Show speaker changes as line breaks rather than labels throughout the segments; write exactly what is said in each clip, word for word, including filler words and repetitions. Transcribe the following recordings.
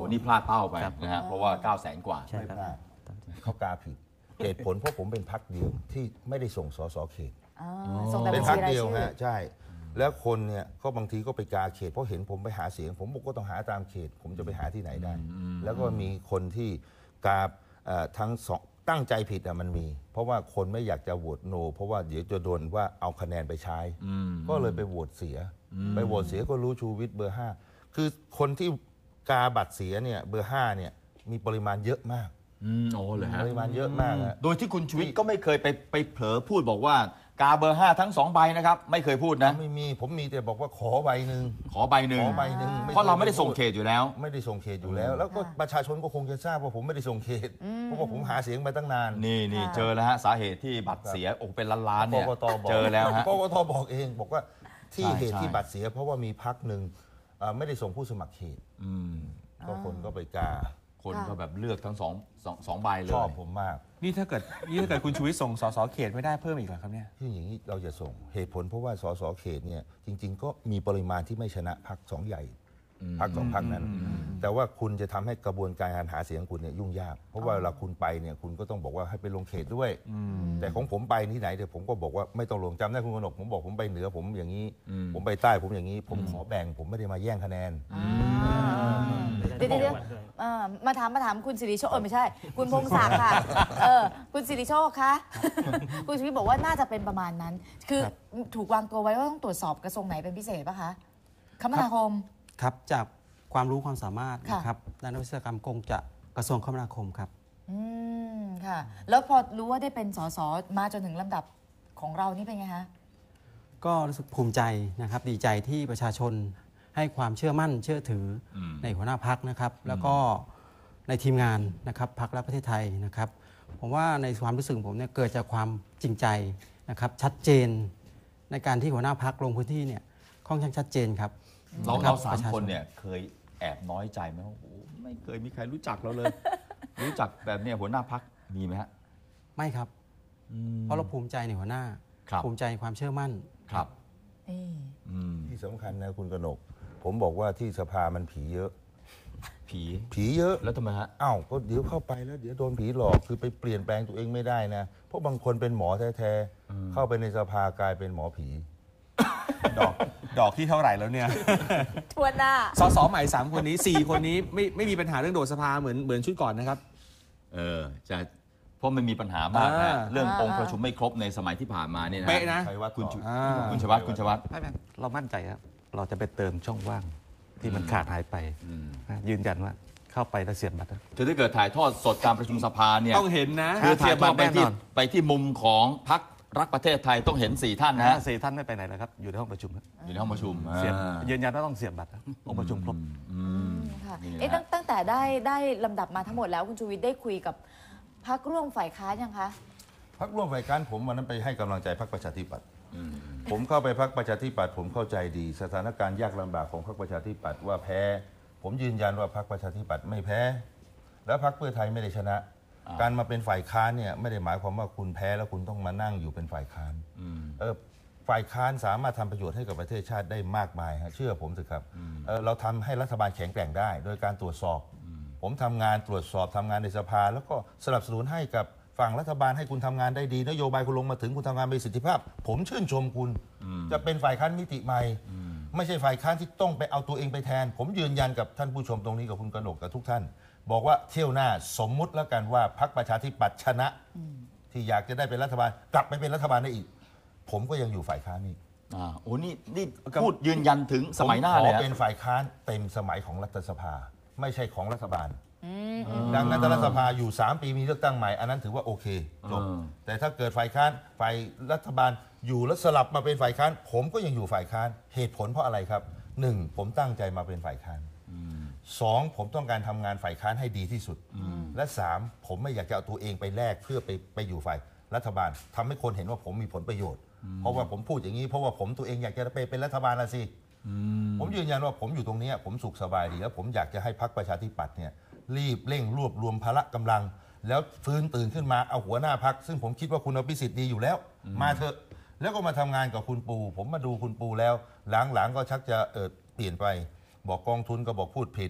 นี่พลาดเป้าไปนะฮะเพราะว่าเก้าแสนกว่า
ไม่พลาด
เขากาผิดเหตุผลเพราะผมเป็นพรรคเดียวที่ไม่ได้ส่งสสเขต
เป็น
พรรคเดียวฮะใช่แล้วคนเนี่ยก็บางทีก็ไปกาเขตเพราะเห็นผมไปหาเสียงผมบอกก็ต้องหาตามเขตผมจะไปหาที่ไหนได้แล้วก็มีคนที่กาทั้งสองตั้งใจผิดอ่ะมันมีเพราะว่าคนไม่อยากจะโหวตโนเพราะว่าเดี๋ยวจะโดนว่าเอาคะแนนไปใช้ก็เลยไปโหวตเสียไปโหวตเสียก็รู้ชูวิทย์เบอร์ห้าคือคนที่กาบัตรเสียเนี่ยเบอร์ห้าเนี่ยมีปริมาณเยอะมาก
โอ้เลยฮะ
ปริมาณเยอะมาก
โดยที่คุณชูวิทย์ก็ไม่เคยไปไปเผลอพูดบอกว่ากาเบอร์ห้าทั้งสองใบนะครับไม่เคยพูดนะ
ไม่มีผมมีแต่บอกว่าขอใบหนึ่ง
ขอใบหนึ่ง
ขอใบหนึ่ง
เพราะเราไม่ได้ส่งเขตอยู่แล้ว
ไม่ได้ส่งเขตอยู่แล้วแล้วก็ประชาชนก็คงจะทราบว่าผมไม่ได้ส่งเขตเพราะว่าผมหาเสียงมาตั้งนาน
นี่นี่เจอแล้วฮะสาเหตุที่บัตรเสียโอ้เป็นล้านล้านเนี่ยเจอแล้วฮะ
กกตบอกเองบอกว่าที่เหตุที่บัตรเสียเพราะว่ามีพรรคหนึ่งไม่ได้ส่งผู้สมัครเขตก็คนก็ไปกา
คนก็แบบเลือกทั้งสองสองสองใบเลย
ชอบผมมาก
นี่ถ้าเกิดนี่ถ้าเกิดคุณชูวิทย์ส่งสสเขตไม่ได้เพิ่มอีกเหรอครับเนี่ย
ที่อย่างนี้เราจะส่งเหตุผลเพราะว่าสสเขตเนี่ยจริงๆก็มีปริมาณที่ไม่ชนะพรรคสองใหญ่พรรคสองพรรคนั้นแต่ว่าคุณจะทำให้กระบวนการการหาเสียงคุณเนี่ยยุ่งยากเพราะว่าเวลาคุณไปเนี่ยคุณก็ต้องบอกว่าให้ไปลงเขตด้วยแต่ของผมไปที่ไหนเดี๋ยวผมก็บอกว่าไม่ต้องลงจำได้คุณกนกผมบอกผมไปเหนือผมอย่างนี้ผมไปใต้ผมอย่างนี้ผมขอแบ่งผมไม่ได้มาแย่งคะแนน
เดี๋ยวเดี๋ยวมาถามมาถามคุณสิริโชคเออไม่ใช่คุณพงศักดิ์ค่ะเออคุณสิริโชคคะคุณชีวิตบอกว่าน่าจะเป็นประมาณนั้นคือถูกวางตัวไว้ว่าต้องตรวจสอบกระทรวงไหนเป็นพิเศษป่ะคะคมนาคม
ครับจากความรู้ความสามารถนะครับด้านวิศวกรรมคงจะกระทรวงคมนาคมครับ
อืมค่ะแล้วพอรู้ว่าได้เป็นสสมาจนถึงลำดับของเรานี่เป็นไงคะ
ก็รู้สึกภูมิใจนะครับดีใจที่ประชาชนให้ความเชื่อมั่นเชื่อถือในหัวหน้าพรรคนะครับแล้วก็ในทีมงานนะครับพรรครักประเทศไทยนะครับผมว่าในความรู้สึกผมเนี่ยเกิดจากความจริงใจนะครับชัดเจนในการที่หัวหน้าพรรคลงพื้นที่เนี่ยค่อนข้างชัดเจนครับ
เราเราสามคนเนี่ยเคยแอบน้อยใจไหมว่าโอ้ไม่เคยมีใครรู้จักเราเลย รู้จักแบบเนี้ยหัวหน้าพรรคมีไหมฮะ
ไม่ครับเพราะเราภูมิใจในหัวหน้าภูมิใจความเชื่อมั่น
ครับ
ที่สำคัญนะคุณกนกผมบอกว่าที่สภามันผีเยอะ
ผี
ผีเยอะ
แล้วทำไมฮะ
อ้าวก็เดี๋ยวเข้าไปแล้วเดี๋ยวโดนผีหลอกคือไปเปลี่ยนแปลงตัวเองไม่ได้นะเพราะบางคนเป็นหมอแท้ๆเข้าไปในสภากลายเป็นหมอผี
ดอกดอกที่เท่าไหร่แล้วเนี่ย
ทวนหน้า
สสใหม่สามคนนี้สี่คนนี้ไม่ไม่มีปัญหาเรื่องโดดสภาเหมือนเหมือนชุดก่อนนะครับ
เออจะเพราะมันมีปัญหามากนะเรื่ององค์ประชุมไม่ครบในสมัยที่ผ่านมาเนี่ยนะ
เป๊ะนะ
คุณคุณชวัฒน์คุณชวัฒน์
เรามั่นใจครับเราจะไปเติมช่องว่างที่มันขาดหายไปยืนยันว่าเข้าไปแล้วเสียบบัตร
คือถ้าเกิดถ่ายทอดสดการประชุมสภาเนี่ย
ต้องเห็นนะ
คือถ่ายทอดไปที่ไปที่มุมของพรรครักประเทศไทยต้องเห็นสี่ท่านนะ
สี่ท่านไม่ไปไหนเลยครับอยู่ในห้องประชุม
อยู่ในห้องประชุม
เสียบยืนยันว่าต้องเสียบบัตรองค์ประชุมครบ
ค่ะเอ๊ะตั้งแต่ได้ได้ลำดับมาทั้งหมดแล้วคุณชูวิทย์ได้คุยกับพรรคร่วมฝ่ายค้านยังคะ
พรรคร่วมฝ่ายค้านผมวันนั้นไปให้กำลังใจพรรคประชาธิปัตย์ผมเข้าไปพรรคประชาธิปัตย์ผมเข้าใจดีสถานการณ์ยากลำบากของพรรคประชาธิปัตย์ว่าแพ้ผมยืนยันว่าพรรคประชาธิปัตย์ไม่แพ้แล้วพรรคเพื่อไทยไม่ได้ชนะการมาเป็นฝ่ายค้านเนี่ยไม่ได้หมายความว่าคุณแพ้แล้วคุณต้องมานั่งอยู่เป็นฝ่ายค้านเออฝ่ายค้านสามารถทำประโยชน์ให้กับประเทศชาติได้มากมายฮะเชื่อผมสิครับเออเราทำให้รัฐบาลแข็งแกร่งได้โดยการตรวจสอบผมทำงานตรวจสอบทำงานในสภาแล้วก็สนับสนุนให้กับฝั่งรัฐบาลให้คุณทำงานได้ดีนโยบายคุณลงมาถึงคุณทำงานมีประสิทธิภาพผมชื่นชมคุณจะเป็นฝ่ายค้านมิติใหม่ไม่ใช่ฝ่ายค้านที่ต้องไปเอาตัวเองไปแทนผมยืนยันกับท่านผู้ชมตรงนี้กับคุณกนกกับทุกท่านบอกว่าเที่ยวหน้าสมมุติแล้วกันว่าพรรคประชาธิปัตย์ชนะที่อยากจะได้เป็นรัฐบาลกลับไปเป็นรัฐบาลได้อีกผมก็ยังอยู่ฝ่ายค้านนี่
อ่าโอ้นี่นี่พูดยืนยันถึงสมัยหน้าเลย
ขอเป็นฝ่ายค้านเต็มสมัยของรัฐสภาไม่ใช่ของรัฐบาลดังนั้นรัฐสภาอยู่สามปีมีเลือกตั้งใหม่อันนั้นถือว่าโอเคจบแต่ถ้าเกิดฝ่ายค้านฝ่ายรัฐบาลอยู่แล้วสลับมาเป็นฝ่ายค้านผมก็ยังอยู่ฝ่ายค้านเหตุผลเพราะอะไรครับหนึ่งผมตั้งใจมาเป็นฝ่ายค้านสองผมต้องการทำงานฝ่ายค้านให้ดีที่สุดและสามผมไม่อยากจะเอาตัวเองไปแลกเพื่อไปไปอยู่ฝ่ายรัฐบาลทำให้คนเห็นว่าผมมีผลประโยชน์เพราะว่าผมพูดอย่างนี้เพราะว่าผมตัวเองอยากจะไปเป็นรัฐบาลละสิผมยืนยันว่าผมอยู่ตรงนี้ผมสุขสบายดีแล้วผมอยากจะให้พรรคประชาธิปัตย์เนี่ยรีบเร่งรวบรวมพละกำลังแล้วฟื้นตื่นขึ้นมาเอาหัวหน้าพรรคซึ่งผมคิดว่าคุณอภิสิทธิ์ดีอยู่แล้วมาเถอะแล้วก็มาทำงานกับคุณปูผมมาดูคุณปูแล้วหลังๆก็ชักจะเออเปลี่ยนไปบอกกองทุนก็บอกพูดผิด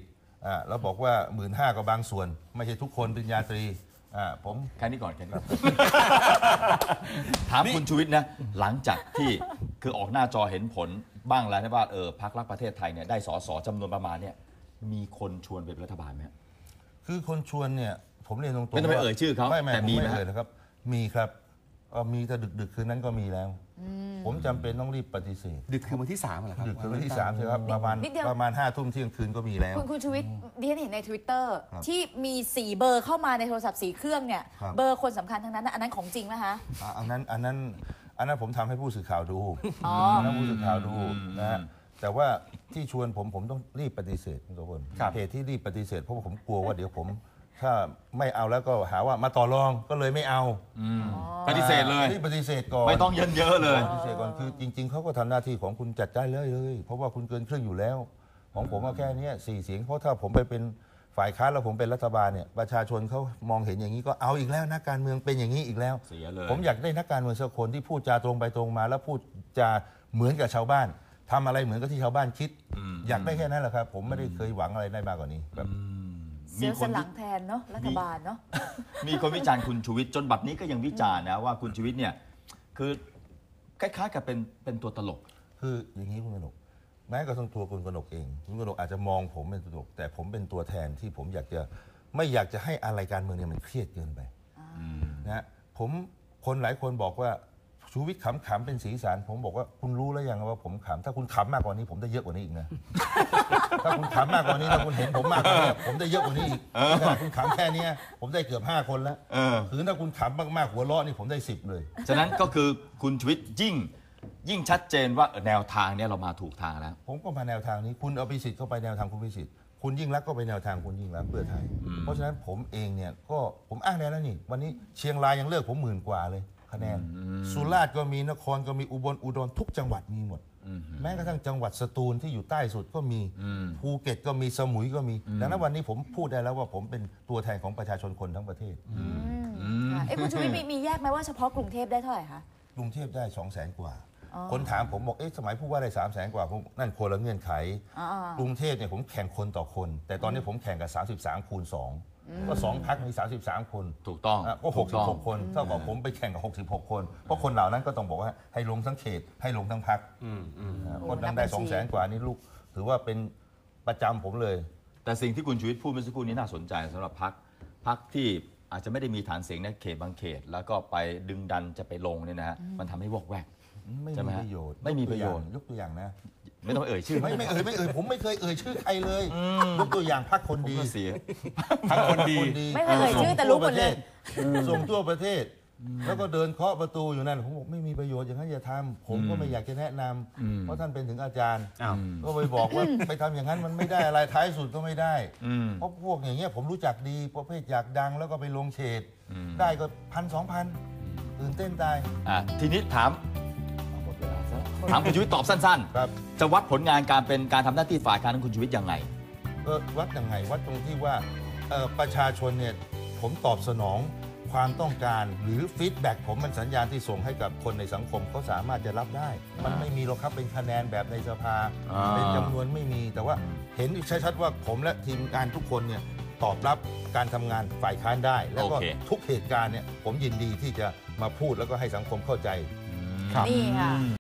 อ่าเราบอกว่าหมื่นห้าก็บางส่วน ไม่ใช่ทุกคนปริญญาตรีอ่าผม
แค่นี้ก่อนแค่นี้ก่อนถามคุณชูวิทย์นะหลังจากที่คือออกหน้าจอเห็นผลบ้างแล้วนะว่าเออพรรครักประเทศไทยเนี่ยได้สสจำนวนประมาณเนี่ยมีคนชวนเป็นรัฐบาลไหม
คือคนชวนเนี่ยผมเรียนตรงๆ
ไม่ต้องไปเอ่ยชื่อเขา
ไม่ไม่
แต่
ผม
มีไหม
ไม่เอ่ยนะครับ มีครับเอ่อมีแต่ดึกๆคืนนั้นก็มีแล้ว ผมจำเป็นต้องรีบปฏิเสธ
ดึกคือวันที่สามเหรอครับ
ดึกคืนวันที่สามใช่ครับประมาณ
นิดเดียว
ประมาณห้าทุ่มเที่ยงคืนก็มีแล้ว
คุณคุณชูวิทย์ดิฉันเห็นใน Twitter
ครับ
ที่มีสี่เบอร์เข้ามาในโทรศัพท์สี่เครื่องเนี่ย
ครับ
เบอร์คนสำคัญทั้งนั้นนะอันนั้นของจริงไหมคะ
อ่ะอันนั้นอันนั้นอันนั้นผมทำให้ผู้สื่อข่าวดู
อ๋อ
อันนั้นผู้สื่อข่าวดูนะฮะแต่ว่าที่ชวนผมผมต้องรีบปฏิเสธคุณโสพล
ครับ
เหตุที่รีบปฏิเสธเพราะว่าผมกลัวว่าเดี๋ยวผม ถ้าไม่เอาแล้วก็หาว่ามาต่อรองก็เลยไม่เอา
ปฏิเสธเลย
รีบปฏิเสธก่อน
ไม่ต้องเยินเยอะเลย
ปฏิเสธก่อนคือจริง ๆเขาก็ทำหน้าที่ของคุณจัดได้เลยเลย เพราะว่าคุณเกินครึ่งอยู่แล้ว ของผมว่าแค่เนี้ยสี่เสียงเพราะถ้าผมไปเป็นฝ่ายค้านแล้วผมเป็นรัฐบาลเนี่ยประชาชนเขามองเห็นอย่างนี้ก็เอาอีกแล้วนักการเมืองเป็นอย่างนี้อีกแล้ว
เสียเลย
ผมอยากได้นักการเมืองสักคนที่พูดจาตรงไปตรงมา แล้วพูดจาเหมือนกับชาวบ้านทำอะไรเหมือนกับที่ชาวบ้านคิด อยากได้แค่นั้นแหละครับ ผมไม่ได้เคยหวังอะไรได้มากกว่านี้แบบ
เสียสนหลังแทนเนาะรัฐบาลเนาะ
มีคนวิจารณ์คุณชูวิทย์จนบัดนี้ก็ยังวิจารณ์นะว่าคุณชูวิทย์เนี่ยคือคล้ายๆกับเป็นเป็นตัวตลก
คืออย่างนี้คุณกนกแม้กระทั่งตัวคุณกนกเองคุณกนกอาจจะมองผมเป็นตัวตลกแต่ผมเป็นตัวแทนที่ผมอยากจะไม่อยากจะให้อะไรการเมืองเนี่ยมันเครียดเกินไปนะฮะผมคนหลายคนบอกว่าชูวิทย์ขำๆเป็นสีสันผมบอกว่าคุณรู้แล้วยังว่าผมขำถ้าคุณขำมากกว่านี้ผมได้เยอะกว่านี้อีกนะ ถ้าคุณขำมากกว่านี้ถ้าคุณเห็นผมมากกว่านี้ผมได้เยอะกว่านี้อีกถ้าคุณขำแค่เนี้ยผมได้เกือบห้าคนแล้ว
เออ
คือถ้าคุณขำมากๆหัวเราะนี่ผมได้สิบเลย
ฉะนั้นก็คือคุณชูวิทย์ยิ่งยิ่งชัดเจนว่าเออแนวทางเนี่ยเรามาถูกทางแล้ว
ผมก็มาแนวทางนี้คุณเอาพิสิทธิ์เข้าไปแนวทางคุณพิสิทธิ์คุณยิ่งรักษณ์ก็ไปแนวทางคุณยิ่งรักษณ์เพื่อไทย เพราะฉะนั้นผมเองเนี่ยก็ผมอ้างแนวแล้วนี่วันนี้เชียงรายยังเลือกผมหมื่นกว่าเลยคะแนนสุราษฎร์ก็มีนครก็มีอุบลอุดรทุกจังหวัดมีหมด แม้กระทั่งจังหวัดสตูลที่อยู่ใต้สุดก็มีภูเก็ตก็มีสมุยก็มีดังนั้นวันนี้ผมพูดได้แล้วว่าผมเป็นตัวแทนของประชาชนคนทั้งประเทศ
ค่ะเอ้คุณชูวิทย์มีมีแยกไหมว่าเฉพาะกรุงเทพได้เท่าไหร่คะ
กรุงเทพได้สองแสนกว่า คนถามผมบอกเอ๊ะสมัยผู้ว่าได้สามแสนกว่าผมนั่นคนละเงื่อนไข
อ๋อ
กรุงเทพเนี่ยผมแข่งคนต่อคน แต่ตอนนี้ผมแข่งกับสามสิบสามคูณสองก็สองพักมีสามสิบสามคน
ถูกต้อง
อ่ะก็หกสิบหกคนเท่ากับผมไปแข่งกับหกสิบหกคนเพราะคนเหล่านั้นก็ต้องบอกว่าให้ลงทั้งเขตให้ลงทั้งพักคนนั้นได้สองแสนกว่านี่ลูกถือว่าเป็นประจำผมเลย
แต่สิ่งที่คุณชูวิทย์พูดเมื่อสักครู่นี้น่าสนใจสำหรับพรรคพรรคที่อาจจะไม่ได้มีฐานเสียงในเขตบางเขต แล้วก็ไปดึงดันจะไปลงเนี่ยนะฮะมันทำให้วอกแวก
ไม่
ใช่ไหม
มี
ฮะ
ประโยชน์
ไม่มีประโยชน์
ยกตัวอย่างนะ
ไม่ต้องเอ่ยชื่อ
ไม่ไม่เอ่ยไม่เอ่ยผมไม่เคยเอ่ยชื่อใครเลยยกตัวอย่างพักคน
ผม
ดี
ก็เสีย
ทั้งคนดี
ไม่เคยเอ่ยชื่อแต่รู้หมดเลย
ส่งทั่วประเทศ แล้วก็เดินเคาะประตูอยู่นั่นผมบอกไม่มีประโยชน์อย่างนั้นอย่าทำผมก็ไม่อยากจะแนะนำเพราะท่านเป็นถึงอาจารย์
อ้าว
ก็ไปบอกว่า ไปทำอย่างนั้นมันไม่ได้อะไรท้ายสุดก็ไม่ได้
อืม
เพราะพวกอย่างเงี้ยผมรู้จักดีประเภทอยากดังแล้วก็ไปลงเฉดได้ก็พันสองพันตื่นเต้นตาย
อ่ะทีนี้ถามหมดเวลาซะถามคุณชูวิทย์ตอบสั้น
ครับ
ๆ จะวัดผลงานการเป็นการทำหน้าที่ฝ่ายการของคุณชูวิทย์ยังไง
เออวัดยังไงวัดตรงที่ว่าเอ่อประชาชนเนี่ยผมตอบสนองความต้องการหรือฟีดแบ็กผมมันสัญญาณที่ส่งให้กับคนในสังคมเขาสามารถจะรับได้ มันไม่มีหรอกครับเป็นคะแนนแบบในสภา
อ่า
เป็นจำนวนไม่มีแต่ว่าเห็นชัดๆว่าผมและทีมงานทุกคนเนี่ยตอบรับการทำงานฝ่ายค้านได้ แล้วก็
โอเค
ทุกเหตุการณ์เนี่ยผมยินดีที่จะมาพูดแล้วก็ให้สังคมเข้าใจ
ครับ
นี่ค่ะ